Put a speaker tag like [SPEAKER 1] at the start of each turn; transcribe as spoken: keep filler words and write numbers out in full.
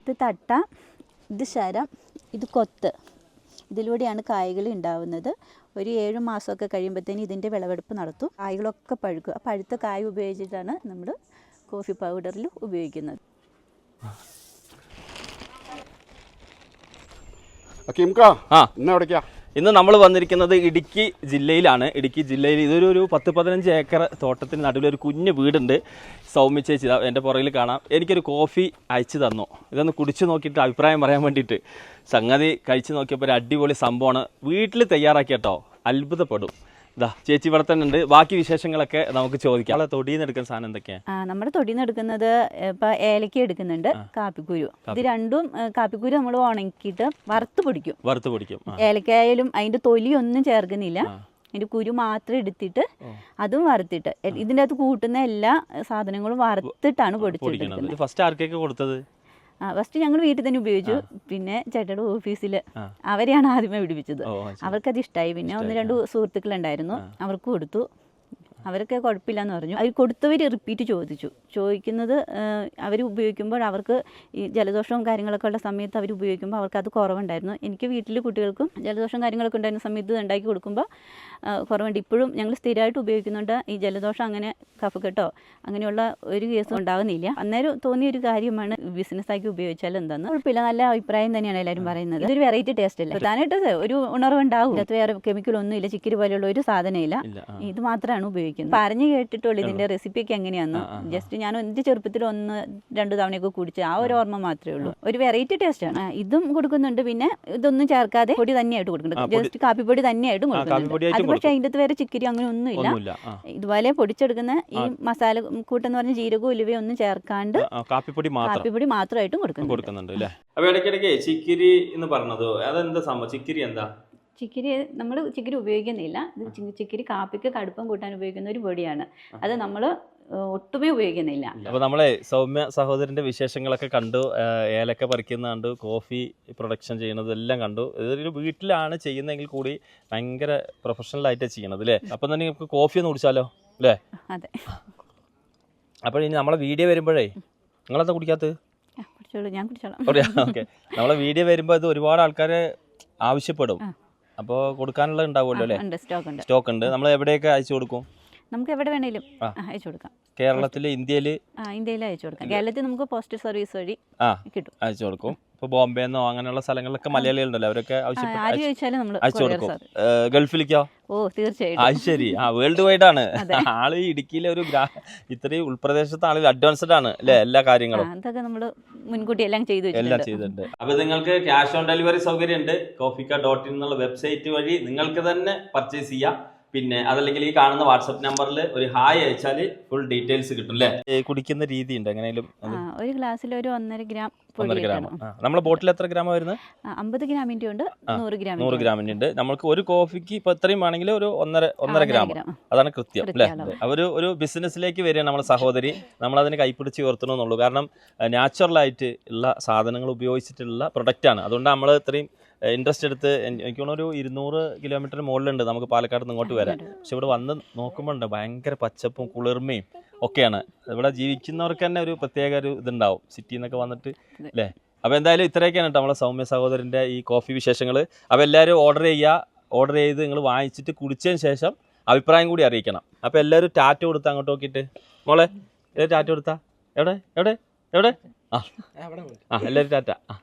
[SPEAKER 1] ഇത് തട്ട, ഇത് ശരം, ഇത് കൊത്ത്. ഇതിലൂടെയാണ് കായ്കൾ ഉണ്ടാവുന്നത്. ഒരു ഏഴ് മാസമൊക്കെ കഴിയുമ്പോഴത്തേന് ഇതിൻ്റെ വിളവെടുപ്പ് നടത്തും. കായ്കളൊക്കെ പഴുക്കും. ആ പഴുത്ത കായ് ഉപയോഗിച്ചിട്ടാണ് നമ്മൾ കോഫി പൗഡറിൽ ഉപയോഗിക്കുന്നത്.
[SPEAKER 2] ഇന്ന് നമ്മൾ വന്നിരിക്കുന്നത് ഇടുക്കി ജില്ലയിലാണ്. ഇടുക്കി ജില്ലയിൽ ഇതൊരു ഒരു പത്ത് പതിനഞ്ച് ഏക്കർ തോട്ടത്തിന് നടുവിലൊരു കുഞ്ഞു വീടുണ്ട്. സൗമ്യ ചേച്ചി എൻ്റെ പുറകിൽ കാണാം. എനിക്കൊരു കോഫി അയച്ചു തന്നു. ഇതൊന്ന് കുടിച്ച് നോക്കിയിട്ട് അഭിപ്രായം പറയാൻ വേണ്ടിയിട്ട്. സംഗതി കഴിച്ച് നോക്കിയപ്പോൾ ഒരു അടിപൊളി സംഭവമാണ്. വീട്ടിൽ തയ്യാറാക്കി കേട്ടോ, അത്ഭുതപ്പെടും. ഇതാ ചേച്ചി ഇവിടെ തന്നെ ഉണ്ട്. ബാക്കി വിശേഷങ്ങളൊക്കെ നമുക്ക് ചോദിക്കാം. നമ്മളെ തൊടിയിൽ നിന്ന് എടുക്കുന്ന സാധനം എന്തൊക്കെയാണ്?
[SPEAKER 1] ആ നമ്മുടെ തൊടിയിൽ നിന്ന് എടുക്കുന്നത് ഇപ്പം ഏലക്ക എടുക്കുന്നുണ്ട്, കാപ്പിക്കുരു. ഇത് രണ്ടും കാപ്പിക്കുരു നമ്മൾ ഉണക്കിയിട്ട് വറുത്ത് പൊടിക്കും.
[SPEAKER 2] വറുത്ത് പൊടിക്കും.
[SPEAKER 1] ഏലക്കായാലും അതിൻ്റെ തൊലിയൊന്നും ചേർക്കുന്നില്ല. അതിൻ്റെ കുരു മാത്രം എടുത്തിട്ട് അതും വറുത്തിട്ട് ഇതിൻ്റെ അകത്ത് കൂട്ടുന്ന എല്ലാ സാധനങ്ങളും വറുത്തിട്ടാണ് പൊടിച്ചെടുക്കുന്നത്.
[SPEAKER 2] ഫസ്റ്റ് ആർക്കൊക്കെ കൊടുത്തത്?
[SPEAKER 1] ആ ഫസ്റ്റ് ഞങ്ങൾ വീട്ടിൽ തന്നെ ഉപയോഗിച്ചു. പിന്നെ ചേട്ടയുടെ ഓഫീസിൽ അവരെയാണ് ആദ്യമേ പിടിപ്പിച്ചത്. അവർക്കത് ഇഷ്ടമായി. പിന്നെ ഒന്ന് രണ്ട് സുഹൃത്തുക്കളുണ്ടായിരുന്നു, അവർക്ക് കൊടുത്തു. അവരൊക്കെ കുഴപ്പമില്ലെന്ന് പറഞ്ഞു. അവർ കൊടുത്തവർ റിപ്പീറ്റ് ചോദിച്ചു. ചോദിക്കുന്നത് അവർ ഉപയോഗിക്കുമ്പോൾ അവർക്ക് ഈ ജലദോഷവും കാര്യങ്ങളൊക്കെ ഉള്ള സമയത്ത് അവർ ഉപയോഗിക്കുമ്പോൾ അവർക്ക് അത് കുറവുണ്ടായിരുന്നു. എനിക്ക് വീട്ടിൽ കുട്ടികൾക്കും ജലദോഷവും കാര്യങ്ങളൊക്കെ ഉണ്ടായിരുന്ന സമയത്ത് ഉണ്ടാക്കി കൊടുക്കുമ്പോൾ കുറവുണ്ട്. ഇപ്പോഴും ഞങ്ങൾ സ്ഥിരമായിട്ട് ഉപയോഗിക്കുന്നുണ്ട്. ഈ ജലദോഷം അങ്ങനെ കഫക്കെട്ടോ അങ്ങനെയുള്ള ഒരു കേസും ഉണ്ടാകുന്നില്ല. അന്നേരം തോന്നിയ ഒരു കാര്യമാണ് ബിസിനസ്സാക്കി ഉപയോഗിച്ചാൽ എന്താന്ന്. കുഴപ്പമില്ല, നല്ല അഭിപ്രായം തന്നെയാണ് എല്ലാവരും പറയുന്നത്. ഇതൊരു വെറൈറ്റി ടേസ്റ്റ് അല്ലേ, പ്രധാനമായിട്ട് ഒരു ഉണർവുണ്ടാവും. ഇതിനകത്ത് വേറെ കെമിക്കലൊന്നും ഇല്ല, ചിക്കരി പോലെയുള്ള ഒരു സാധനമില്ല. ഇത് മാത്രമാണ് ഉപയോഗിക്കുന്നത്. പറഞ്ഞു കേട്ടിട്ടുള്ളൂ ഇതിന്റെ റെസിപ്പിയൊക്കെ എങ്ങനെയാന്ന്. ജസ്റ്റ് ഞാൻ എന്റെ ചെറുപ്പത്തിൽ ഒന്ന് രണ്ടു തവണയൊക്കെ കുടിച്ച് ആ ഒരു ഓർമ്മ മാത്രമേ ഉള്ളൂ. ഒരു വെറൈറ്റി ടേസ്റ്റ് ആണ്. ഇതും കൊടുക്കുന്നുണ്ട്. പിന്നെ ഇതൊന്നും ചേർക്കാതെ പൊടി തന്നെയായിട്ട് കൊടുക്കുന്നുണ്ട്. ജസ്റ്റ് കാപ്പിപ്പൊടി തന്നെയായിട്ടും കൊടുക്കുന്നുണ്ട്. അത് പക്ഷേ അതിൻ്റെ അകത്ത് വേറെ ചിക്കരി അങ്ങനെ ഒന്നുമില്ല. ഇതുപോലെ പൊടിച്ചെടുക്കുന്ന ഈ മസാല കൂട്ടെന്ന് പറഞ്ഞ ജീരകവും ഉലുവയും ഒന്നും ചേർക്കാണ്ട് കാപ്പിപ്പൊടി കാപ്പിപ്പൊടി മാത്രമായിട്ടും കൊടുക്കുന്നുണ്ട്.
[SPEAKER 2] ചിക്കിരി എന്ന് പറഞ്ഞത് അതെന്താ സംഭവം? ചിക്കിരി എന്താ?
[SPEAKER 1] ചിക്കിരി നമ്മൾ ചിക്കിരി ഉപയോഗിക്കുന്നില്ല. ഇത് ചിക്കിരി കാപ്പിക്ക് കടുപ്പം കൂട്ടാൻ ഉപയോഗിക്കുന്ന ഒരു പൊടിയാണ്. അത് നമ്മൾ ഒട്ടുമേ ഉപയോഗിക്കുന്നില്ല.
[SPEAKER 2] അപ്പോൾ നമ്മളെ സൗമ്യ സഹോദരന്റെ വിശേഷങ്ങളൊക്കെ കണ്ടു. ഏലക്ക പറിക്കുന്ന കണ്ടു, കോഫി പ്രൊഡക്ഷൻ ചെയ്യുന്നതെല്ലാം കണ്ടു. ഇതൊരു വീട്ടിലാണ് ചെയ്യുന്നതെങ്കിൽ കൂടി ഭയങ്കര പ്രൊഫഷണൽ ആയിട്ടാണ് ചെയ്യണത് അല്ലേ? അപ്പം തന്നെ നമുക്ക് കോഫി ഒന്ന് കുടിച്ചാലോ അല്ലേ?
[SPEAKER 1] അതെ.
[SPEAKER 2] അപ്പോൾ ഇനി നമ്മളെ വീഡിയോ വരുമ്പോഴേ നിങ്ങളെന്താ കുടിക്കാത്തത്?
[SPEAKER 1] ഞാൻ കുടിച്ചോളാം.
[SPEAKER 2] ഓക്കെ. നമ്മളെ വീഡിയോ വരുമ്പോൾ ഇത് ഒരുപാട് ആൾക്കാർ ആവശ്യപ്പെടും. അപ്പോൾ കൊടുക്കാനുള്ള ഉണ്ടാവുമല്ലോ അല്ലേ? സ്റ്റോക്ക് ഉണ്ട്. നമ്മൾ എവിടെയൊക്കെ അയച്ചു കൊടുക്കും?
[SPEAKER 1] നമുക്ക് എവിടെ വേണേലും അയച്ചു കൊടുക്കാം.
[SPEAKER 2] കേരളത്തിൽ, ഇന്ത്യയിൽ?
[SPEAKER 1] ഇന്ത്യയിൽ അയച്ചു കൊടുക്കാം. കേരളത്തിൽ നമുക്ക് പോസ്റ്റൽ സർവീസ് വഴി കിട്ടും,
[SPEAKER 2] അയച്ചു കൊടുക്കും. ഇപ്പോൾ ബോംബെന്നോ അങ്ങനെയുള്ള സ്ഥലങ്ങളിലൊക്കെ മലയാളികളുണ്ടല്ലോ, അവരൊക്കെ അയച്ചു കൊടുക്കും. ഗൾഫിലേക്കോ?
[SPEAKER 1] ഓ തീർച്ചയായിട്ടും.
[SPEAKER 2] അത് ശരി. ആ വേൾഡ് വൈഡ് ആണ് ആള്. ഇടുക്കിയിലെ ഒരു ഇത്രയും ഉൾപ്രദേശത്തെ ആള് അഡ്വാൻസ്ഡ് ആണ് അല്ലേ എല്ലാ കാര്യങ്ങളും.
[SPEAKER 1] അതൊക്കെ നമ്മൾ മുൻകൂട്ടി എല്ലാം ചെയ്തു
[SPEAKER 2] എല്ലാം ചെയ്തിട്ടുണ്ട്. അപ്പൊ നിങ്ങൾക്ക് ക്യാഷ് ഓൺ ഡെലിവറി സൗകര്യം ഉണ്ട്. കോഫിക്ക ഡോട്ട് ഇൻ എന്നുള്ള വെബ്സൈറ്റ് വഴി നിങ്ങൾക്ക് തന്നെ പർച്ചേസ് ചെയ്യാം. പിന്നെ അതല്ലെങ്കിൽ ഈ കാണുന്ന വാട്സ്ആപ്പ് നമ്പറിൽ ഒരു ഹായ് അയച്ചാൽ ഫുൾ ഡീറ്റെയിൽസ് കിട്ടും അല്ലേ? കുടിക്കുന്ന രീതി ഉണ്ട് എങ്ങനെയും?
[SPEAKER 1] ഒരു ഗ്ലാസ്സിൽ ഒരു ഒന്നര ഗ്രാം
[SPEAKER 2] ഒന്നര ഗ്രാം. നമ്മളെ ബോട്ടിൽ എത്ര ഗ്രാം വരുന്നത്?
[SPEAKER 1] അമ്പത് ഗ്രാമിന്റെ ഉണ്ട്, നൂറ് ഗ്രാം
[SPEAKER 2] നൂറ് ഗ്രാമിന്റെ ഉണ്ട്. നമുക്ക് ഒരു കോഫിക്ക് ഇപ്പൊ എത്രയും ആണെങ്കിൽ ഒരു ഒന്നര ഒന്നര ഗ്രാം, അതാണ് കൃത്യം അല്ലേ? അവര് ഒരു ബിസിനസ്സിലേക്ക് വരികയാണ് നമ്മളെ സഹോദരി. നമ്മളതിന് കൈപ്പിടിച്ച് ഉയർത്തണമെന്നുള്ളൂ. കാരണം നാച്ചുറലായിട്ട് ഉള്ള സാധനങ്ങൾ ഉപയോഗിച്ചിട്ടുള്ള പ്രൊഡക്റ്റാണ്. അതുകൊണ്ട് നമ്മൾ ഇത്രയും ഇൻട്രസ്റ്റ് എടുത്ത് എനിക്ക് തോന്നുന്നു ഒരു ഇരുന്നൂറ് കിലോമീറ്റർ മുകളിലുണ്ട് നമുക്ക് പാലക്കാട് നിന്ന് ഇങ്ങോട്ട് വരാൻ. പക്ഷെ ഇവിടെ വന്ന് നോക്കുമ്പോൾ ഉണ്ട് ഭയങ്കര പച്ചപ്പും കുളിർമയും ഒക്കെയാണ്. ഇവിടെ ജീവിക്കുന്നവർക്ക് തന്നെ ഒരു പ്രത്യേക ഒരു ഇതുണ്ടാവും സിറ്റിയിൽ നിന്നൊക്കെ വന്നിട്ട് അല്ലേ? അപ്പോൾ എന്തായാലും ഇത്രയൊക്കെയാണ് കേട്ടോ നമ്മളെ സൗമ്യ സഹോദരൻ്റെ ഈ കോഫി വിശേഷങ്ങൾ. അപ്പോൾ എല്ലാവരും ഓർഡർ ചെയ്യുക. ഓർഡർ ചെയ്ത് നിങ്ങൾ വാങ്ങിച്ചിട്ട് കുടിച്ചതിന് ശേഷം അഭിപ്രായം കൂടി അറിയിക്കണം. അപ്പോൾ എല്ലാവരും ടാറ്റ കൊടുത്ത് അങ്ങോട്ട് നോക്കിയിട്ട് മോളെ എല്ലാവരും ടാറ്റ കൊടുത്താ എവിടെ എവിടെ എവിടെ ആ ആ എല്ലാവരും ടാറ്റ. ആ